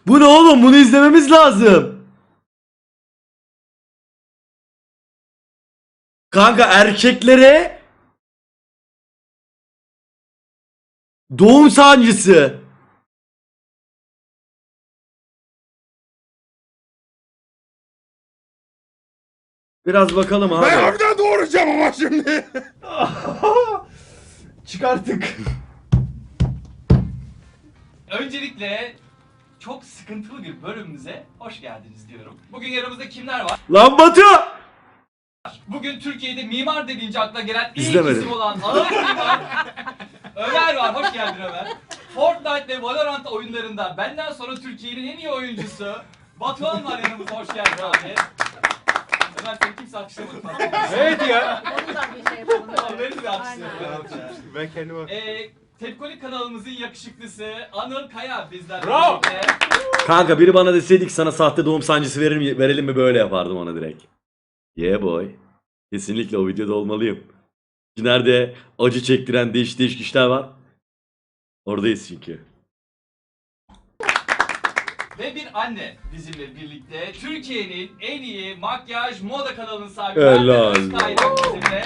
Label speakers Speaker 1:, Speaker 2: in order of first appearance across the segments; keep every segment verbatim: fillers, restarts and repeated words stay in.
Speaker 1: Bu ne oğlum? Bunu izlememiz lazım. Kanka erkeklere doğum sancısı. Biraz bakalım abi.
Speaker 2: Ben harbiden doğuracağım ama şimdi.
Speaker 1: Çıkarttık.
Speaker 3: Öncelikle çok sıkıntılı bir bölümümüze hoş geldiniz diyorum. Bugün yanımızda kimler var?
Speaker 1: Lan Batu!
Speaker 3: Bugün Türkiye'de mimar dediğince akla gelen ilk
Speaker 1: İzlemedim.
Speaker 3: isim olan Anıl Mimar Ömer var. Hoş geldin Ömer. Fortnite ve Valorant oyunlarında benden sonra Türkiye'nin en iyi oyuncusu Batuhan var yanımızda. Hoş geldin abi. Ömer seni kimse alkışlamadı falan.
Speaker 2: Evet ya.
Speaker 4: Onu da bir şey yapalım.
Speaker 3: Tamam, benim de alkışlıyorum.
Speaker 4: Aynen.
Speaker 2: Ben kendime...
Speaker 3: Ee, Tepkolik kanalımızın yakışıklısı Anıl Kaya bizlerle
Speaker 2: Bravo.
Speaker 3: birlikte.
Speaker 1: Kanka biri bana deseydik sana sahte doğum sancısı verir, verelim mi, böyle yapardım ona direkt. Yeah boy. Kesinlikle o videoda olmalıyım. Nerede acı çektiren değişik değişik işler var. Oradayız çünkü.
Speaker 3: Ve bir anne bizimle birlikte Türkiye'nin en iyi makyaj moda kanalının sahibi
Speaker 1: Helal.
Speaker 3: Merve Özkaynak bizimle.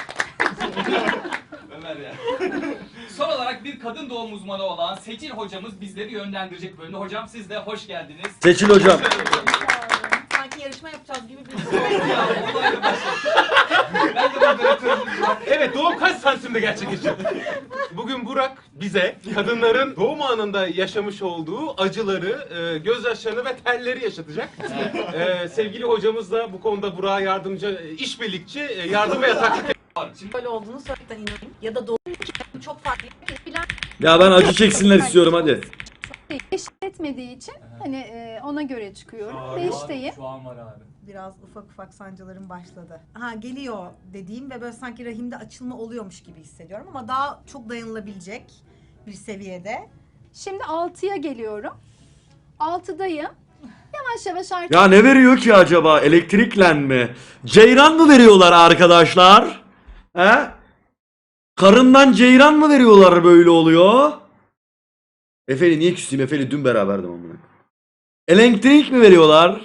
Speaker 3: Ömer ya. Son olarak bir kadın doğum uzmanı olan Seçil hocamız bizleri yönlendirecek bölümde. Hocam siz de hoş geldiniz.
Speaker 1: Seçil hocam.
Speaker 4: Sanki yarışma yapacağız gibi bir şey oldu.
Speaker 3: Ya, olayla başladık. Ben de moderatörümüz var.
Speaker 2: Evet, doğum kaç santimde gerçekleşiyor? Bugün Burak bize kadınların doğum anında yaşamış olduğu acıları, e, gözyaşlarını ve telleri yaşatacak. E, sevgili hocamız da bu konuda Burak'a yardımcı, e, işbirlikçi, e, yardım ve yataklık
Speaker 3: Şimdi
Speaker 4: Böyle olduğunu söylemekten inanayım. Ya da doğum çok farklı. Bilen
Speaker 1: Ya ben acı çeksinler istiyorum hadi.
Speaker 5: Eşit etmediği için hani e, ona göre çıkıyorum.
Speaker 3: Aa,
Speaker 5: Beşteyim.
Speaker 3: Şu an var abi.
Speaker 6: Biraz ufak ufak sancılarım başladı. Ha geliyor dediğim ve böyle sanki rahimde açılma oluyormuş gibi hissediyorum ama daha çok dayanılabilecek bir seviyede.
Speaker 5: Şimdi altıya geliyorum. altıdayım. Yavaş yavaş artık
Speaker 1: Ya ne veriyor ki acaba? Elektrikle mi? Ceyran mı veriyorlar arkadaşlar? He? Karından ceyran mı veriyorlar, böyle oluyor? Efe'li niye küstüm? Efe'li dün beraberdim amına. Elektrik mi veriyorlar?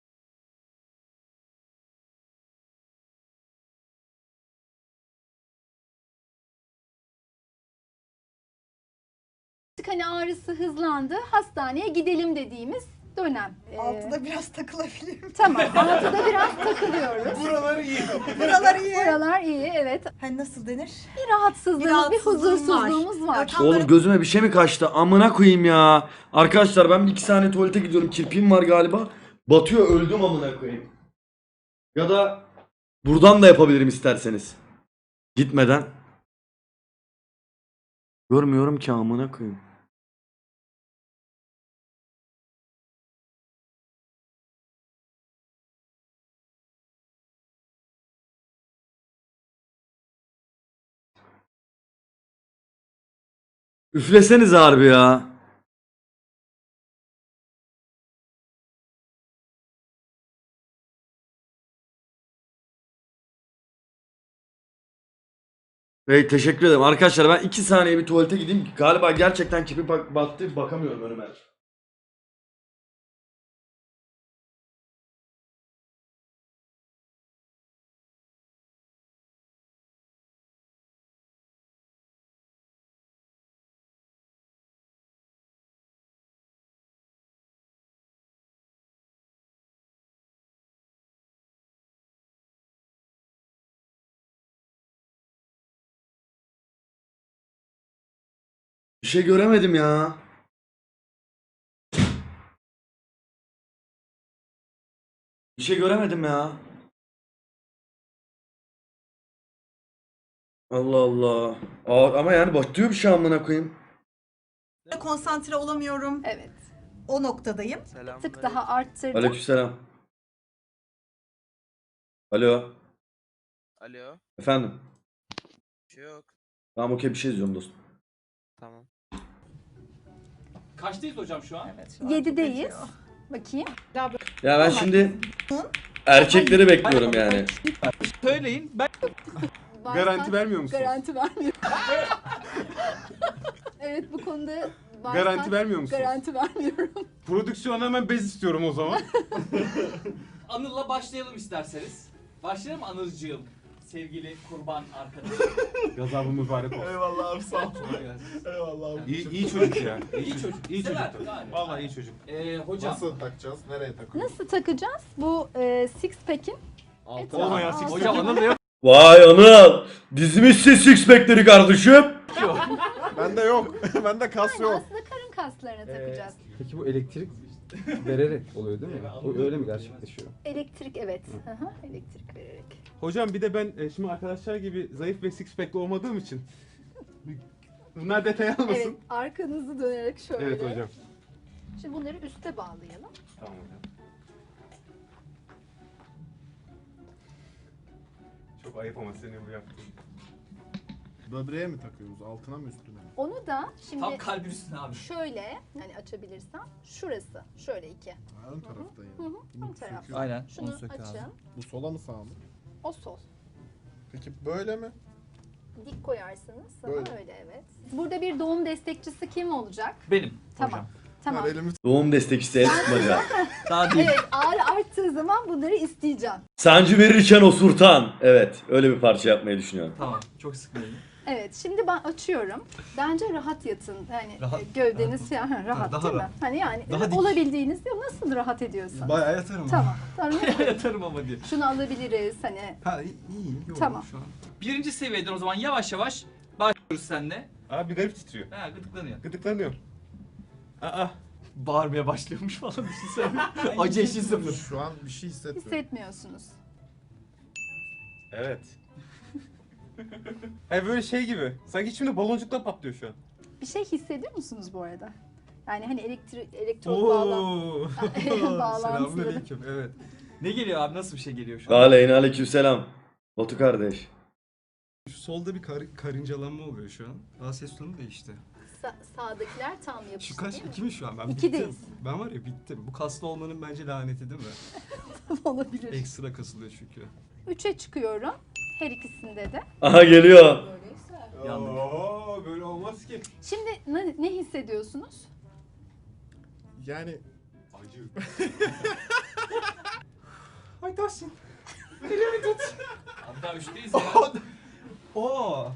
Speaker 5: hani ağrısı hızlandı. Hastaneye gidelim dediğimiz dönem. Ee,
Speaker 6: Altıda biraz takılabilirim.
Speaker 5: Tamam. altıda biraz takılıyoruz.
Speaker 2: Buraları iyi.
Speaker 6: Buralar iyi.
Speaker 5: Buralar iyi, evet.
Speaker 6: Hani nasıl denir?
Speaker 5: Bir rahatsızlığımız, bir,
Speaker 6: rahatsızlığım var.
Speaker 5: huzursuzluğumuz var.
Speaker 6: Tam
Speaker 1: Oğlum
Speaker 6: böyle-
Speaker 1: gözüme bir şey mi kaçtı? Amına koyayım ya. Arkadaşlar ben bir iki saniye tuvalete gidiyorum. Kirpiğim var galiba. Batıyor, öldüm amına koyayım. Ya da buradan da yapabilirim isterseniz. Gitmeden. Görmüyorum ki amına koyayım. Üfleseniz harbi ya. Hey, teşekkür ederim. Arkadaşlar ben iki saniye bir tuvalete gideyim. Galiba gerçekten kipi bak battı. Bakamıyorum önüme. Bir şey göremedim ya. Bir şey göremedim ya. Allah Allah. Aa, ama yani batıyor bir şey amına koyayım.
Speaker 6: Konsantre olamıyorum.
Speaker 5: Evet.
Speaker 6: O noktadayım.
Speaker 5: Bir tık daha arttırdım.
Speaker 1: Aleykümselam. Alo.
Speaker 7: Alo,
Speaker 1: Efendim.
Speaker 7: bir şey yok.
Speaker 1: Tamam okey, bir şey izliyorum dostum.
Speaker 7: Tamam.
Speaker 3: Kaçtayız hocam şu an?
Speaker 6: Evet, şu an
Speaker 5: Yedideyiz.
Speaker 6: çok
Speaker 5: Bakayım.
Speaker 1: Ya ben şimdi erkekleri bekliyorum yani.
Speaker 2: Söyleyin, ben
Speaker 5: Varsa-
Speaker 2: garanti vermiyor musunuz?
Speaker 5: Garanti vermiyor. Evet, bu konuda varsa
Speaker 2: Garanti vermiyor musunuz?
Speaker 5: Garanti vermiyorum.
Speaker 2: Prodüksiyona hemen bez istiyorum o zaman.
Speaker 3: Anıl'la başlayalım isterseniz. Başlayalım mı Anılcığım? Sevgili kurban arkadaşım.
Speaker 2: Gazabı mübarek olsun.
Speaker 8: Eyvallah abi sağ ol.
Speaker 3: Kolay gelsin.
Speaker 8: Eyvallah abi.
Speaker 2: İyi, iyi çocuk ya.
Speaker 3: İyi çocuk.
Speaker 2: İyi
Speaker 3: Sever,
Speaker 2: çocuk.
Speaker 3: gayet.
Speaker 2: Vallahi iyi çocuk.
Speaker 3: Ee, hocam.
Speaker 8: Nasıl takacağız? Nereye takıyoruz?
Speaker 5: Nasıl takacağız? Bu e, six pack'in
Speaker 8: Altına.
Speaker 5: etrafı-
Speaker 2: Olmayan
Speaker 5: altı-
Speaker 2: six
Speaker 3: Hocam Anıl da yok.
Speaker 1: Vay Anıl. Dizmişsin six pack'leri kardeşim.
Speaker 8: Bende yok. Bende kas
Speaker 5: Yani
Speaker 8: yok.
Speaker 5: aslında karın kaslarına takacağız.
Speaker 9: Peki bu elektrik vererek oluyor değil mi? O öyle mi gerçekleşiyor?
Speaker 5: Elektrik evet. Hı hı, elektrik vererek.
Speaker 2: Hocam bir de ben e, şimdi arkadaşlar gibi zayıf ve six pack'li olmadığım için bunlar detay almasın.
Speaker 5: Evet, arkanızı dönerek şöyle.
Speaker 2: Evet hocam.
Speaker 5: Şimdi bunları üste bağlayalım.
Speaker 2: Tamam hocam. Çok ayıp ama senin bu yaptığın.
Speaker 8: Böbreğe mi takıyoruz? Altına mı üstüne mi?
Speaker 5: Onu da şimdi
Speaker 3: Tam kalbin üstüne abi.
Speaker 5: şöyle hani açabilirsem şurası şöyle iki.
Speaker 8: Ha, ön tarafta
Speaker 5: Hı
Speaker 8: yani.
Speaker 5: hı,
Speaker 8: Bunu
Speaker 5: ön taraf.
Speaker 8: söküyor.
Speaker 9: Aynen.
Speaker 5: Şunu açın.
Speaker 8: Bu sola mı sağa mı?
Speaker 5: O sol.
Speaker 8: Peki böyle mi?
Speaker 5: Dik koyarsınız. Sana
Speaker 8: Böyle.
Speaker 5: öyle evet. Burada bir doğum destekçisi kim olacak?
Speaker 3: Benim
Speaker 5: Tamam.
Speaker 3: hocam.
Speaker 5: Tamam.
Speaker 8: Ver elimi
Speaker 1: Doğum destekçisi el tutmaca.
Speaker 3: Daha değil.
Speaker 5: Evet ağrı arttığı zaman bunları isteyeceğim.
Speaker 1: Sancı verirken osurtan. Evet öyle bir parça yapmayı düşünüyorum.
Speaker 3: Tamam. Çok sıkmayın.
Speaker 5: Evet şimdi ben açıyorum. Bence rahat yatın. Yani
Speaker 9: Rahat-
Speaker 5: e, gövdeniz ya ha, rahat
Speaker 9: daha
Speaker 5: değil mi?
Speaker 9: rahat.
Speaker 5: Hani yani
Speaker 9: Daha dik.
Speaker 5: olabildiğiniz ya nasıl rahat ediyorsun?
Speaker 9: Bayağı yatarım.
Speaker 5: Tamam. Tamam.
Speaker 3: Yatarım ama diye.
Speaker 5: Şunu alabiliriz hani.
Speaker 9: Ha iyi, iyi. Yok,
Speaker 5: Tamam.
Speaker 9: Şu an.
Speaker 3: Birinci seviyeden o zaman yavaş yavaş başlıyoruz seninle.
Speaker 2: Abi garip titriyor.
Speaker 3: Ha gıdıklanıyor.
Speaker 2: Gıdıklanıyor. Aa.
Speaker 3: Bağırmaya başlıyormuş falan düşünsene. Acı eşi sıfır.
Speaker 8: Şu an bir şey hissetmiyorum.
Speaker 5: Hissetmiyorsunuz.
Speaker 2: Evet. Hayır böyle şey gibi. Sanki içimde baloncuklar patlıyor şu an.
Speaker 5: Bir şey hissediyor musunuz bu arada? Yani hani elektrik elektrot bağlan
Speaker 9: Oo.
Speaker 5: bağlantıları.
Speaker 9: Selamünaleyküm. Evet.
Speaker 3: Ne geliyor abi? Nasıl bir şey geliyor şu an?
Speaker 1: Aleyna aleykümselam. Batu kardeş.
Speaker 9: Şu solda bir kar karıncalanma oluyor şu an. Aa ses tonu değişti.
Speaker 5: Sa- sağdakiler tam yapıştı
Speaker 9: Şu kaç?
Speaker 5: değil mi?
Speaker 9: İki mi şu an? Ben
Speaker 5: İkideyiz.
Speaker 9: bittim. Ben var ya bittim. Bu kaslı olmanın bence laneti değil mi?
Speaker 5: Olabilir.
Speaker 9: Ekstra kasılıyor çünkü.
Speaker 5: Üçe çıkıyorum. Her ikisinde de.
Speaker 1: Aha geliyor.
Speaker 3: Yandık.
Speaker 2: Oo, böyle olmaz ki.
Speaker 5: Şimdi ne, ne hissediyorsunuz?
Speaker 8: Yani
Speaker 2: Acı.
Speaker 9: Ay Tahsin.
Speaker 3: Hatta üçteyiz ya.
Speaker 9: Oo.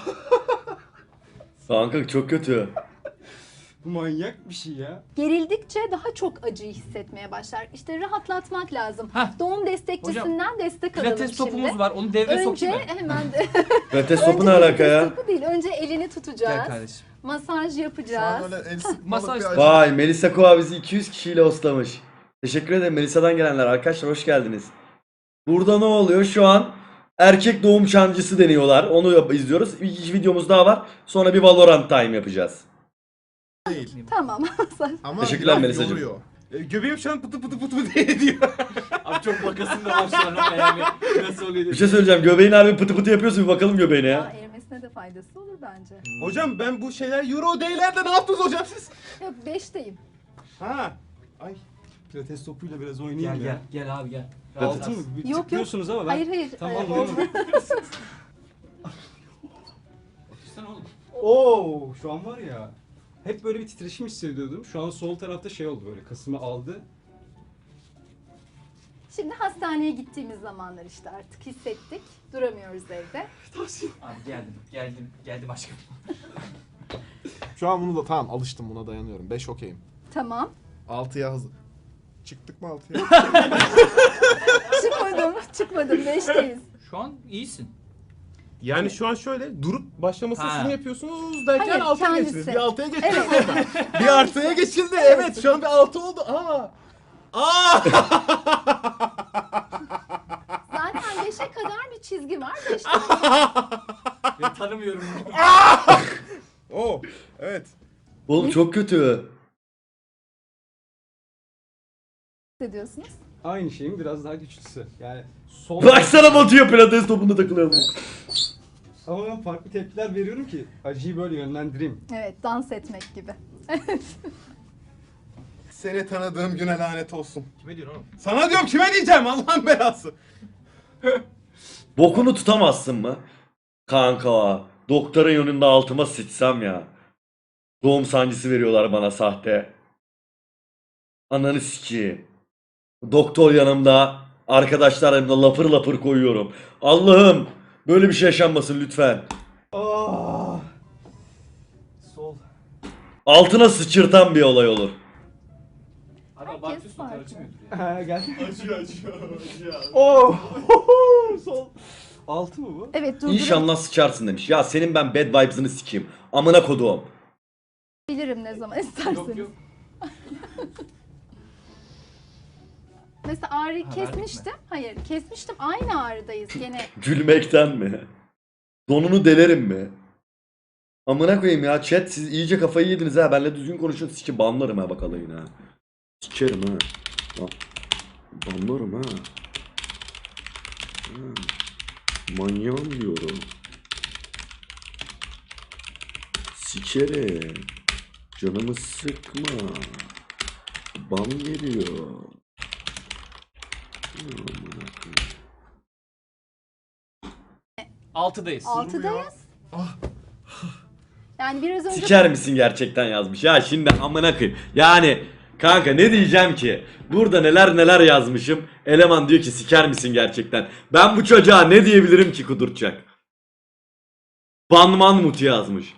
Speaker 1: Kanka çok kötü.
Speaker 9: Bu manyak bir şey ya.
Speaker 5: Gerildikçe daha çok acıyı hissetmeye başlar. İşte rahatlatmak lazım.
Speaker 3: Heh.
Speaker 5: Doğum destekçisinden destek alalım
Speaker 3: Pilates
Speaker 5: şimdi.
Speaker 3: topumuz var. Onu devreye
Speaker 5: Önce
Speaker 3: sokayım mı?
Speaker 5: hemen de
Speaker 1: Pilates
Speaker 5: önce
Speaker 1: topu ne alaka
Speaker 5: pilates
Speaker 1: ya?
Speaker 5: topu değil. Önce elini tutacağız.
Speaker 3: Gel kardeşim.
Speaker 5: Masaj
Speaker 8: şu an
Speaker 5: yapacağız.
Speaker 8: öyle el sıkmalık
Speaker 3: Masaj-
Speaker 8: bir acı.
Speaker 1: Vay Melisa Kova bizi iki yüz kişiyle hostlamış. Teşekkür ederim Melisa'dan gelenler. Arkadaşlar hoş geldiniz. Burada ne oluyor? Şu an erkek doğum çancısı deniyorlar. Onu yap- izliyoruz. Bir iki videomuz daha var. Sonra bir Valorant time yapacağız.
Speaker 8: Değil.
Speaker 5: Tamam.
Speaker 8: Ama
Speaker 1: Teşekkürler
Speaker 8: biraz
Speaker 1: Melisacığım.
Speaker 8: yoruyor.
Speaker 2: E, göbeğim şu an pıtı pıtı pıtı pıtı diye diyor.
Speaker 3: Abi çok bakasın da var şu an ama yani. Nasıl oluyor
Speaker 1: Bir şey söyleyeceğim. Göbeğin harbi pıtı pıtı yapıyorsun. Bir bakalım göbeğine
Speaker 5: Aa,
Speaker 1: ya.
Speaker 5: erimesine de faydası olur bence.
Speaker 2: Hocam ben bu şeyler Euro Day'lerde ne yaptınız hocam siz?
Speaker 5: Yok beşteyim.
Speaker 2: Ha. Ay.
Speaker 9: Pilates topuyla biraz oynayayım
Speaker 3: Gel
Speaker 9: ya.
Speaker 3: gel. Gel abi gel.
Speaker 9: Altı mı? Bir
Speaker 5: Yok, yok.
Speaker 9: tıklıyorsunuz ama ben...
Speaker 5: Hayır hayır.
Speaker 9: Tamam,
Speaker 5: Ee,
Speaker 9: oldu.
Speaker 3: Sen oğlum.
Speaker 9: Oo, şu an var ya. Hep böyle bir titreşim hissediyordum. Şu an sol tarafta şey oldu böyle. Kasımı aldı.
Speaker 5: Şimdi hastaneye gittiğimiz zamanlar işte artık hissettik. Duramıyoruz evde.
Speaker 3: Abi geldim. Geldim. Geldim aşkım.
Speaker 8: Şu an bunu da tamam alıştım buna dayanıyorum. beş okeyim.
Speaker 5: Tamam.
Speaker 8: altıya hazır. Çıktık mı altıya?
Speaker 5: Çıkmadım. Çıkmadım. Beşteyiz.
Speaker 3: Şu an iyisin.
Speaker 2: Yani şu an şöyle durup başlaması
Speaker 3: Ha.
Speaker 2: şunu yapıyorsunuz derken
Speaker 5: Hayır,
Speaker 2: altıya
Speaker 5: kendisi.
Speaker 2: geçtiniz. Bir altıya geçtiniz
Speaker 5: Evet.
Speaker 2: orada. Bir artıya geçildi. Evet şu an bir altı oldu. Aa. Aa.
Speaker 5: Zaten beşe kadar bir çizgi var. Beşte
Speaker 3: Ben tanımıyorum.
Speaker 8: Oo, evet.
Speaker 1: Oğlum çok kötü.
Speaker 5: hissediyorsunuz.
Speaker 9: Aynı şeyin biraz daha güçlüsü. Yani sol...
Speaker 1: Baksana Batu'ya pilates topunda takılıyorum.
Speaker 9: Ama ben farklı tepkiler veriyorum ki acıyı böyle yönlendireyim.
Speaker 5: Evet, dans etmek gibi.
Speaker 2: Seni tanıdığım güne lanet olsun.
Speaker 3: Kime diyorsun oğlum?
Speaker 2: Sana diyorum kime diyeceğim Allah'ın belası.
Speaker 1: Bokunu tutamazsın mı? Kanka doktorun yönünde altıma sıçsam ya. Doğum sancısı veriyorlar bana sahte. Ananı sikeyim. Doktor yanımda, arkadaşlar yanımda lapır lapır koyuyorum. Allah'ım böyle bir şey yaşanmasın lütfen.
Speaker 9: Ah. Sol.
Speaker 1: Altına sıçırtan bir olay olur.
Speaker 3: Abi
Speaker 5: Herkes
Speaker 3: abartıyorsun
Speaker 5: farklı.
Speaker 3: kadar acımıyordur ya.
Speaker 9: Ha gel. Acıyor acıyor acıyor. Oh. Sol. Altı mı bu?
Speaker 5: Evet durdurabilirim
Speaker 1: İnşallah sıçarsın demiş. Ya senin ben bad vibes'ını sikeyim. Amına koduğum.
Speaker 5: ne zaman isterseniz.
Speaker 3: Yok yok.
Speaker 5: Mesela ağrıyı
Speaker 3: Ha, verdik
Speaker 5: kesmiştim. Hayır kesmiştim. Aynı ağrıdayız gene.
Speaker 1: Gülmekten mi? Donunu delerim mi? Amına koyayım ya chat siz iyice kafayı yediniz ha. Benle düzgün konuşun sizi banlarım ha bak alayına. Ha. Sikerim ha. Bak. Banlarım ha. ha. Manyağım diyorum. Sikerim. Canımı sıkma. Ban geliyor. Amına koyayım.
Speaker 3: Altıdayız.
Speaker 5: Altıdayız. Yani biraz önce
Speaker 1: Siker misin gerçekten yazmış. Ya şimdi amına koyayım. Yani kanka ne diyeceğim ki? Burada neler neler yazmışım. Eleman diyor ki siker misin gerçekten? Ben bu çocuğa ne diyebilirim ki kuduracak? Banman muti yazmış.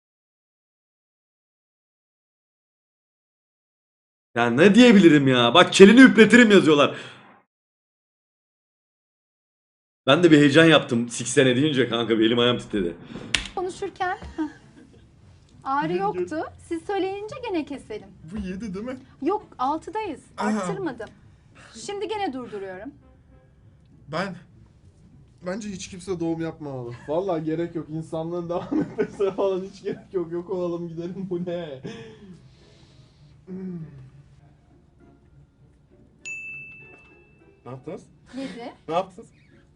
Speaker 1: Ya ne diyebilirim ya? Bak kelini üpletirim yazıyorlar. Ben de bir heyecan yaptım siksene deyince kanka bir elim ayağım titredi.
Speaker 5: konuşurken heh, ağrı yoktu. Siz söyleyince gene keselim.
Speaker 8: Bu yedi değil mi?
Speaker 5: Yok altıdayız.
Speaker 8: Aha.
Speaker 5: Arttırmadım. Şimdi gene durduruyorum.
Speaker 8: Ben bence hiç kimse doğum yapmamalı. Vallahi gerek yok. İnsanlığın devam etmesine falan hiç gerek yok. Yok olalım gidelim bu ne? Hmm. Ne yaptınız?
Speaker 5: Yedi.
Speaker 8: Ne yaptınız?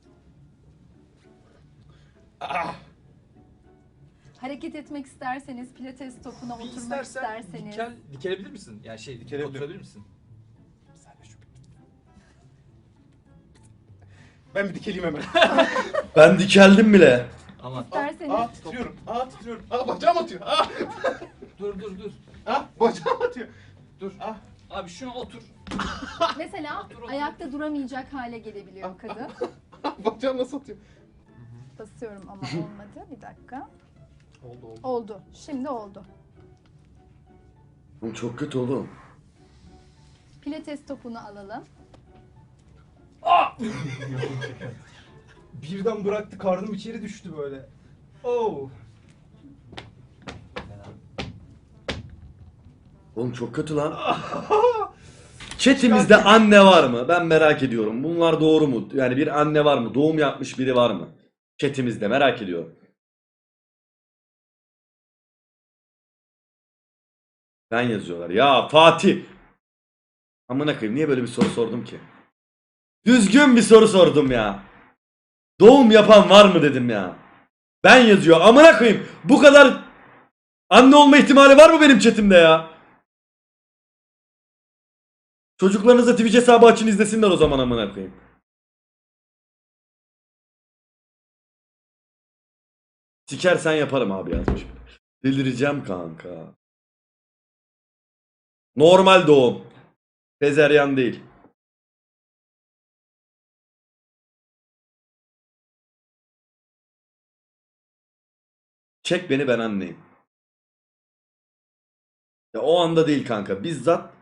Speaker 5: Hareket etmek isterseniz pilates topuna
Speaker 3: Bir
Speaker 5: oturmak
Speaker 3: istersen
Speaker 5: isterseniz.
Speaker 3: dikel, dikelebilir misin? Yani şey
Speaker 8: Dikelebilirim.
Speaker 3: oturabilir misin?
Speaker 2: Ben bir dikeleyim hemen.
Speaker 1: Ben dikeldim bile.
Speaker 3: Aman.
Speaker 5: İsterseniz.
Speaker 2: Aa titriyorum. Aa titriyorum. Aa bacağım atıyor. Aa.
Speaker 3: Dur dur dur.
Speaker 2: Aa bacağım atıyor.
Speaker 3: Dur.
Speaker 2: Ah.
Speaker 3: Abi şuna otur.
Speaker 5: Mesela
Speaker 3: Otur, otur.
Speaker 5: ayakta duramayacak hale gelebiliyor kadın.
Speaker 2: Bacağım nasıl atıyor?
Speaker 5: Basıyorum ama olmadı. Bir dakika.
Speaker 8: Oldu oldu.
Speaker 5: Oldu. Şimdi oldu.
Speaker 1: Oğlum çok kötü oğlum.
Speaker 5: Pilates topunu alalım.
Speaker 9: Birden bıraktı karnım içeri düştü böyle. Oh.
Speaker 1: Oğlum çok kötü lan. Chat'imizde anne var mı? Ben merak ediyorum. Bunlar doğru mu? Yani bir anne var mı? Doğum yapmış biri var mı? Chat'imizde merak ediyorum. Ben yazıyorlar. Ya Fatih. Amına koyayım niye böyle bir soru sordum ki? Düzgün bir soru sordum ya. Doğum yapan var mı dedim ya. Ben yazıyor. Amına koyayım. Bu kadar anne olma ihtimali var mı benim chatimde ya? Çocuklarınıza Twitch hesabı açın izlesinler o zaman amına koyayım. Sikersen yaparım abi yazmış. Delireceğim kanka. Normal doğum. Sezeryan değil. Çek beni ben anneyim. Ya o anda değil kanka. Bizzat.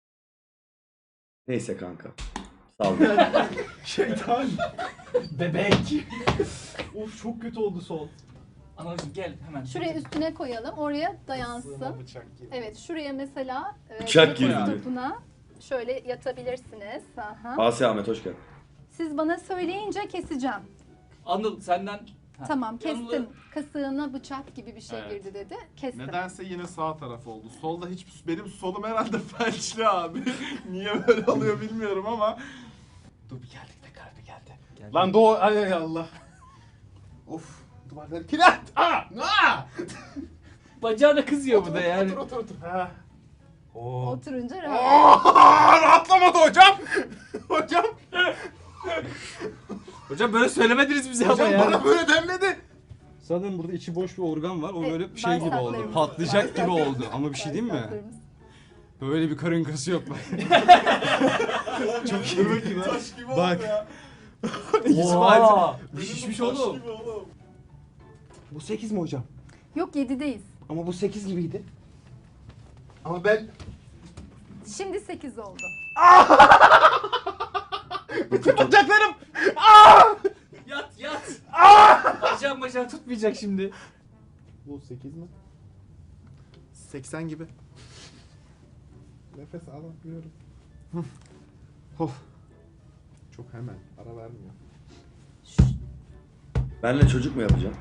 Speaker 1: Neyse kanka. Sağ ol.
Speaker 9: Şeytan.
Speaker 3: Bebek.
Speaker 9: Of çok kötü oldu sol.
Speaker 3: Anacığım gel hemen.
Speaker 5: Şuraya üstüne koyalım. Oraya dayansın.
Speaker 8: Bıçak gibi.
Speaker 5: Evet şuraya mesela e,
Speaker 1: Bıçak
Speaker 5: pilates
Speaker 1: girdi.
Speaker 5: topuna şöyle yatabilirsiniz. Aha.
Speaker 1: Asya Ahmet hoş geldin.
Speaker 5: Siz bana söyleyince keseceğim.
Speaker 3: Anıl senden. Ha.
Speaker 5: Tamam kestim.
Speaker 3: Anıl'ı-
Speaker 5: Kasığına bıçak gibi bir şey
Speaker 8: Evet.
Speaker 5: girdi dedi. Kestim.
Speaker 8: Nedense yine sağ taraf oldu. Solda hiç benim solum herhalde felçli abi. Niye böyle oluyor bilmiyorum ama.
Speaker 3: Dur bir geldik de karbi geldi. geldi.
Speaker 2: Lan doğu ay ay Allah.
Speaker 8: Of duvarları kilit. Aa! Aa!
Speaker 3: Bacağı da kızıyor bu da yani.
Speaker 8: Otur otur otur. Ha. Oo.
Speaker 5: Oturunca rahat.
Speaker 8: Aa, rahatlamadı hocam. Hocam.
Speaker 3: Hocam böyle söylemediniz bize ama
Speaker 8: Hocam
Speaker 3: yani.
Speaker 8: bana böyle denmedi.
Speaker 9: Sanırım burada içi boş bir organ var. O
Speaker 5: Evet,
Speaker 9: böyle şey gibi oldu.
Speaker 5: bağırsaklarımız.
Speaker 9: Patlayacak gibi oldu. Ama bir şey diyeyim mi?
Speaker 5: Bağırsaklarımız.
Speaker 9: Böyle bir karın kası yok. Çok iyi.
Speaker 8: Taş gibi
Speaker 9: Bak.
Speaker 8: oldu ya.
Speaker 9: İsmail. Bir şişmiş
Speaker 8: Taş
Speaker 9: oğlum.
Speaker 8: gibi oğlum.
Speaker 10: Bu sekiz mi hocam?
Speaker 5: Yok yedideyiz.
Speaker 10: Ama bu sekiz gibiydi.
Speaker 8: Ama ben
Speaker 5: Şimdi sekiz oldu.
Speaker 10: Bütün bacaklarım!
Speaker 3: Yat yat. Bacağım bacağım tutmayacak şimdi.
Speaker 8: bu sekiz mi? seksen gibi. Nefes alamıyorum. Of. Çok hemen ara vermiyor.
Speaker 1: Benle çocuk mu yapacağım?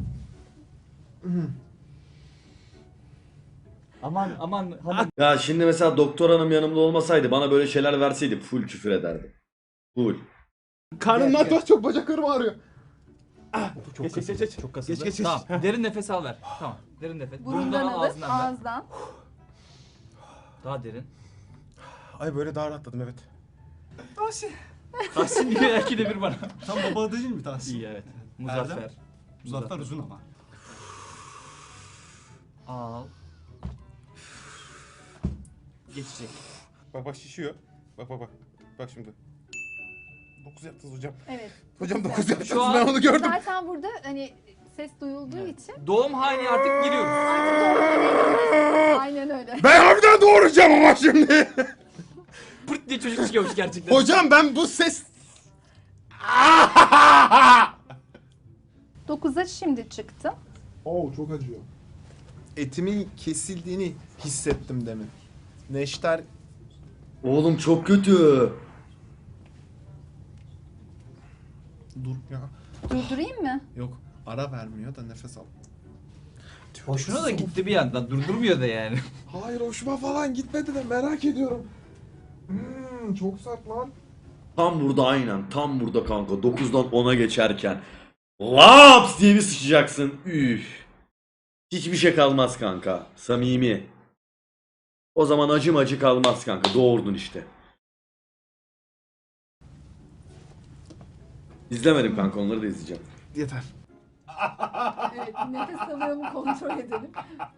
Speaker 3: Aman aman hanım.
Speaker 1: Ya şimdi mesela doktor hanım yanımda olmasaydı bana böyle şeyler verseydi full küfür ederdi. Full.
Speaker 8: Karnımdan çok çok bacaklarım ağrıyor.
Speaker 9: Çok
Speaker 3: Geç geç geç. geç.
Speaker 9: Çok
Speaker 3: Geç geç geç. Tamam. Derin nefes al ver. Tamam. Derin nefes.
Speaker 5: Burundan alıp
Speaker 3: ağzından ver.
Speaker 5: ağızdan.
Speaker 3: Daha derin.
Speaker 8: Ay böyle daha rahatladım evet.
Speaker 3: Tahsin diyor iki de bir bana.
Speaker 9: Tam baba adı değil mi Tahsin?
Speaker 3: İyi evet. Muzaffer.
Speaker 9: Muzaffer uzun ama.
Speaker 3: Al. Geçecek.
Speaker 8: Bak bak şişiyor. Bak bak bak. Bak şimdi. dokuz yaptınız hocam.
Speaker 5: Evet.
Speaker 8: Hocam dokuz yaptınız
Speaker 3: Şu an-
Speaker 8: ben onu gördüm.
Speaker 5: Zaten burada hani ses duyulduğu için
Speaker 3: Doğum hali artık giriyoruz.
Speaker 5: artık doğumlara gidiyoruz. Aynen öyle.
Speaker 8: Ben harbiden doğuracağım ama şimdi.
Speaker 3: Pırt diye çocuk çıkıyormuş gerçekten.
Speaker 8: Hocam ben bu ses...
Speaker 5: dokuza şimdi çıktı.
Speaker 8: Oo çok acıyor. Etimin kesildiğini hissettim demin. Neşter
Speaker 1: Oğlum çok kötü.
Speaker 8: dur ya.
Speaker 5: Durdurayım mı?
Speaker 8: Yok ara vermiyor da nefes al.
Speaker 3: Hoşuna da gitti bir yandan. Durdurmuyor da yani.
Speaker 8: Hayır hoşuma falan gitmedi de merak ediyorum. Hmm, çok sert lan.
Speaker 1: Tam burada aynen. Tam burada kanka. dokuzdan ona geçerken. Laps diye bir sıçacaksın. Üf. Hiçbir şey kalmaz kanka. Samimi. O zaman acım acı kalmaz kanka. Doğurdun işte. İzlemedim kanka, onları da izleyeceğim.
Speaker 8: Yeter.
Speaker 5: Evet, nefes alıyorumu kontrol edelim.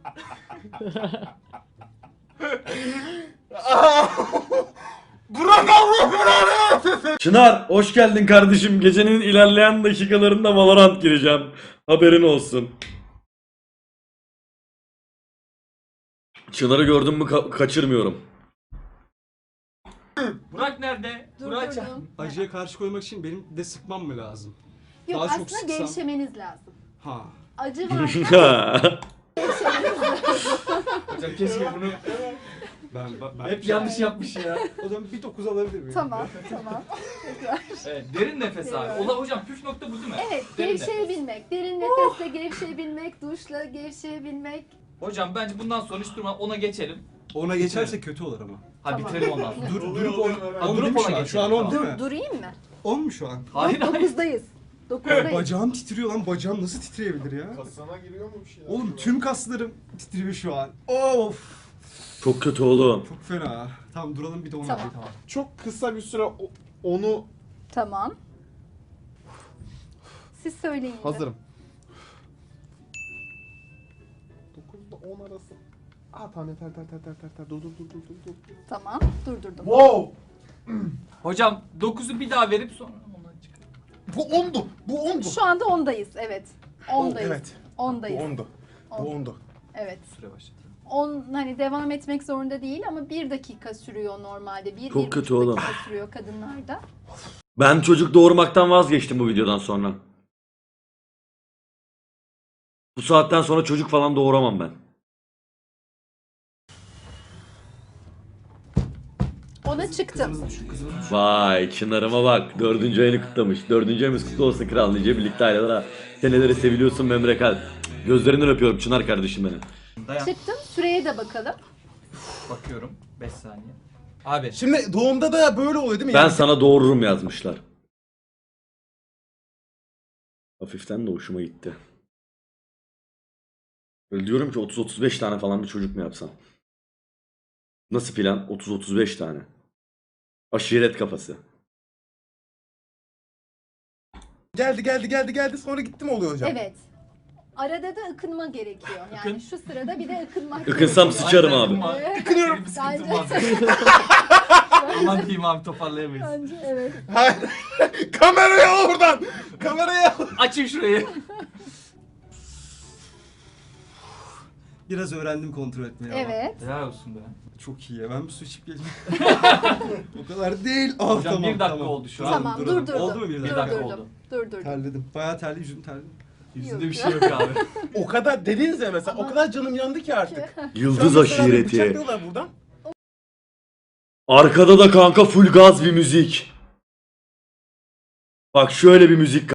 Speaker 8: Bırak Allah belanı!
Speaker 1: Çınar hoş geldin kardeşim. Gecenin ilerleyen dakikalarında Valorant gireceğim. Haberin olsun. Çınar'ı gördüm mü ka- kaçırmıyorum.
Speaker 3: Burak nerede? Burak çağır.
Speaker 5: Durdurdum.
Speaker 9: Acıya karşı koymak için benim de sıkmam mı lazım?
Speaker 5: Yok
Speaker 9: Daha çok
Speaker 5: aslında
Speaker 9: sıksam-
Speaker 5: gevşemeniz lazım.
Speaker 9: Ha.
Speaker 5: Acı varsa
Speaker 3: Hocam keşke bunu
Speaker 9: Ben, ben, ben
Speaker 3: hep yanlış yapmış ya.
Speaker 9: O zaman bir dokuz alabilir miyim?
Speaker 5: tamam tamam. Tekrar.
Speaker 3: Evet, derin nefes abi. Ola hocam püf nokta bu değil mi?
Speaker 5: Evet
Speaker 3: Derin nefes.
Speaker 5: gevşeyebilmek. Derin nefesle gevşeyebilmek, duşla gevşeyebilmek.
Speaker 3: Hocam bence bundan sonra hiç durma ona geçelim.
Speaker 9: Ona geçerse kötü olur ama.
Speaker 3: Ha
Speaker 5: Tamam.
Speaker 3: bitirelim ondan sonra.
Speaker 9: Dur, durup on,
Speaker 3: Ha,
Speaker 9: on
Speaker 3: durup
Speaker 9: değil mi şu
Speaker 3: ona
Speaker 9: an? Şu an
Speaker 3: geçelim,
Speaker 9: on değil mi?
Speaker 5: Durayım mı?
Speaker 9: on mu şu an?
Speaker 3: Hayır hayır.
Speaker 5: Dokuzdayız. Dokuzdayız.
Speaker 9: Bacağım titriyor lan. Bacağım nasıl titreyebilir ya?
Speaker 8: Kasana giriyor mu bir şeyler?
Speaker 9: Oğlum tüm kaslarım titriyor şu an. Of.
Speaker 1: Çok kötü oğlum.
Speaker 9: Çok fena. Tamam duralım bir de onu
Speaker 5: Tamam.
Speaker 9: alayım. Tamam.
Speaker 8: Çok kısa bir süre o- onu
Speaker 5: Tamam. Siz söyleyin. de.
Speaker 8: hazırım. dokuzda on arası. Aa tamam yeter yeter yeter yeter yeter. Dur dur dur dur dur dur.
Speaker 5: Tamam durdurdum.
Speaker 8: Wow!
Speaker 3: Hocam dokuzu bir daha verip sonra ondan çıkar.
Speaker 8: Bu ondu. Bu ondu.
Speaker 5: Şu anda ondayız evet. Ondayız.
Speaker 8: Evet.
Speaker 5: Ondayız.
Speaker 8: Bu ondu.
Speaker 5: On.
Speaker 8: Bu ondu.
Speaker 5: Evet.
Speaker 3: Süre başladı.
Speaker 5: On hani devam etmek zorunda değil ama bir dakika sürüyor normalde. Bir,
Speaker 1: Çok
Speaker 5: bir
Speaker 1: kötü
Speaker 5: buçuk
Speaker 1: oğlum.
Speaker 5: dakika sürüyor kadınlarda.
Speaker 1: Ben çocuk doğurmaktan vazgeçtim bu videodan sonra. Bu saatten sonra çocuk falan doğuramam ben.
Speaker 5: Ona çıktım.
Speaker 1: Vay Çınar'ıma bak. Dördüncü ayını kutlamış. Dördüncü ayımız kutlu olsun kral. Nice birlikte aileler ha. Seneleri seviliyorsun Memre Kalp. Gözlerinden öpüyorum Çınar kardeşim benim.
Speaker 3: Dayan.
Speaker 5: Çıktım. Süreye de bakalım.
Speaker 3: Bakıyorum. beş saniye. Abi.
Speaker 8: Şimdi doğumda da böyle oluyor değil mi?
Speaker 1: Ben
Speaker 8: Yani
Speaker 1: sana doğururum yazmışlar. Hafiften de hoşuma gitti. Öyle diyorum ki otuz otuz beş tane falan bir çocuk mu yapsam? Nasıl plan? otuz otuz beş tane. Aşiret kafası.
Speaker 8: geldi geldi geldi geldi sonra gitti mi oluyor hocam?
Speaker 5: Evet. Arada da ıkınma gerekiyor. Yani
Speaker 3: Ikın.
Speaker 5: şu sırada bir de ıkınmak
Speaker 1: Ikınsam
Speaker 5: gerekiyor.
Speaker 1: sıçarım abi.
Speaker 5: Evet.
Speaker 3: Ikınıyorum. Bir sıkıntım
Speaker 5: Bence-
Speaker 3: var. Aman diyeyim abi toparlayamayız.
Speaker 5: Bence evet.
Speaker 10: Kamerayı al oradan. Kamerayı al.
Speaker 3: Açın şurayı.
Speaker 9: Biraz öğrendim kontrol etmeyi ama.
Speaker 5: Evet.
Speaker 3: Helal olsun be.
Speaker 9: Çok iyi ya. Ben bir su içip geleceğim. o kadar değil. Ah,
Speaker 3: Hocam
Speaker 9: tamam,
Speaker 3: bir dakika
Speaker 9: tamam.
Speaker 3: oldu şu an.
Speaker 5: Tamam
Speaker 9: durdurdum.
Speaker 5: durdurdum.
Speaker 9: Oldu mu bir dakika?
Speaker 3: dakika
Speaker 5: Durdurdum.
Speaker 3: oldu.
Speaker 5: Durdurdum.
Speaker 9: Terledim. Bayağı terli, yüzüm terli.
Speaker 3: Yüzünde bir şey yok abi.
Speaker 10: O kadar dediniz ya mesela. O kadar canım yandı ki artık.
Speaker 1: Yıldız
Speaker 10: Şu an mesela beni
Speaker 1: aşireti.
Speaker 10: bıçaklıyorlar buradan.
Speaker 1: Arkada da kanka full gaz bir müzik. Bak şöyle bir müzik